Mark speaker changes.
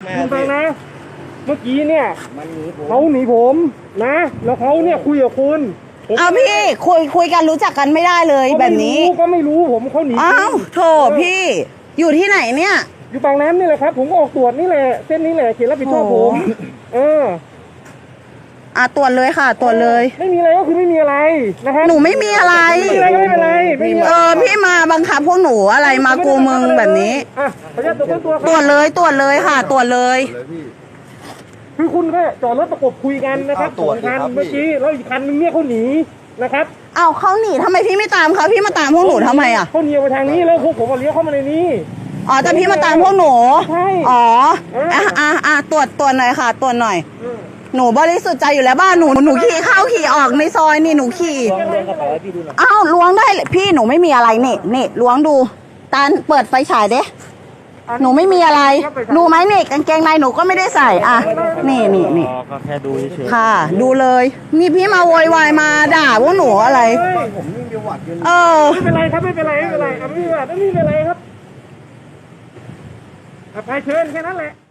Speaker 1: คุณฟังนะเมื่อกี้เนี่ยเขาหนีผมนะแล้วเขาเนี่ยคุยกับคุณ
Speaker 2: เอาพี่คุยกันรู้จักกันไม่ได้เลยแบบนี้
Speaker 1: ก็ไม่รู้ผมเขาหนี
Speaker 2: อ้าวโถพี่อยู่ที่ไหนเนี่ย
Speaker 1: อยู่บางน้ำนี่แหละครับผมก็ออกตรวจนี่แหละเส้นนี้แหละเขตรับผิดชอบผม
Speaker 2: ตรวจเลยค่ะตรวจเลย
Speaker 1: ไม่มีอะไรก็คือไม่มีอะไรนะครับ
Speaker 2: หนูไม่มีอะไร
Speaker 1: ไม่มีอะไรก็ไม่เป็นไร
Speaker 2: พี่มาบังคับพวกหนูอะไรมากูมึงแบบนี้ตรวจเลยค่ะตรวจเลย
Speaker 1: คือคุณแค่จอดรถประกบคุยกันนะครับสองคันเมื่อกี้แล้วอีกคันนึงเนี่ยเขาหนีนะครับ
Speaker 2: เขาหนีทำไมพี่ไม่ตามเขาพี่มาตามพวกหนูทำไม
Speaker 1: เขาหนีไปทางนี้แล้วพวกผมเลี้ยวเข้ามาในนี้
Speaker 2: แต่พี่มาตามพวกหนู
Speaker 1: ใช่
Speaker 2: ตรวจหน่อยค่ะตรวจหน่อยหนูบริสุทธิ์ใจอยู่แล้วบ้านหนูขี่เข้าขี่ออกในซอยนี่หนูขี่ล้วงได้พี่หนูไม่มีอะไรนี่ล้วงดูตาเปิดไฟฉายเด้หนูไม่มีอะไรดูไหมนี่กางเกงในหนูก็ไม่ได้ใส่นี่
Speaker 1: ก็แค่ดูเฉย
Speaker 2: ค่ะดูเลยนี่พี่มาโวยวายมาด่าพวกหนูอะไร
Speaker 1: ผมยิ่งจะหวัดอยู่ไม่เป็นไรครับไม่เป็นไรไม่เป็นไรไม่เป็นไรครับไปเชิญแค่นั้นแหละ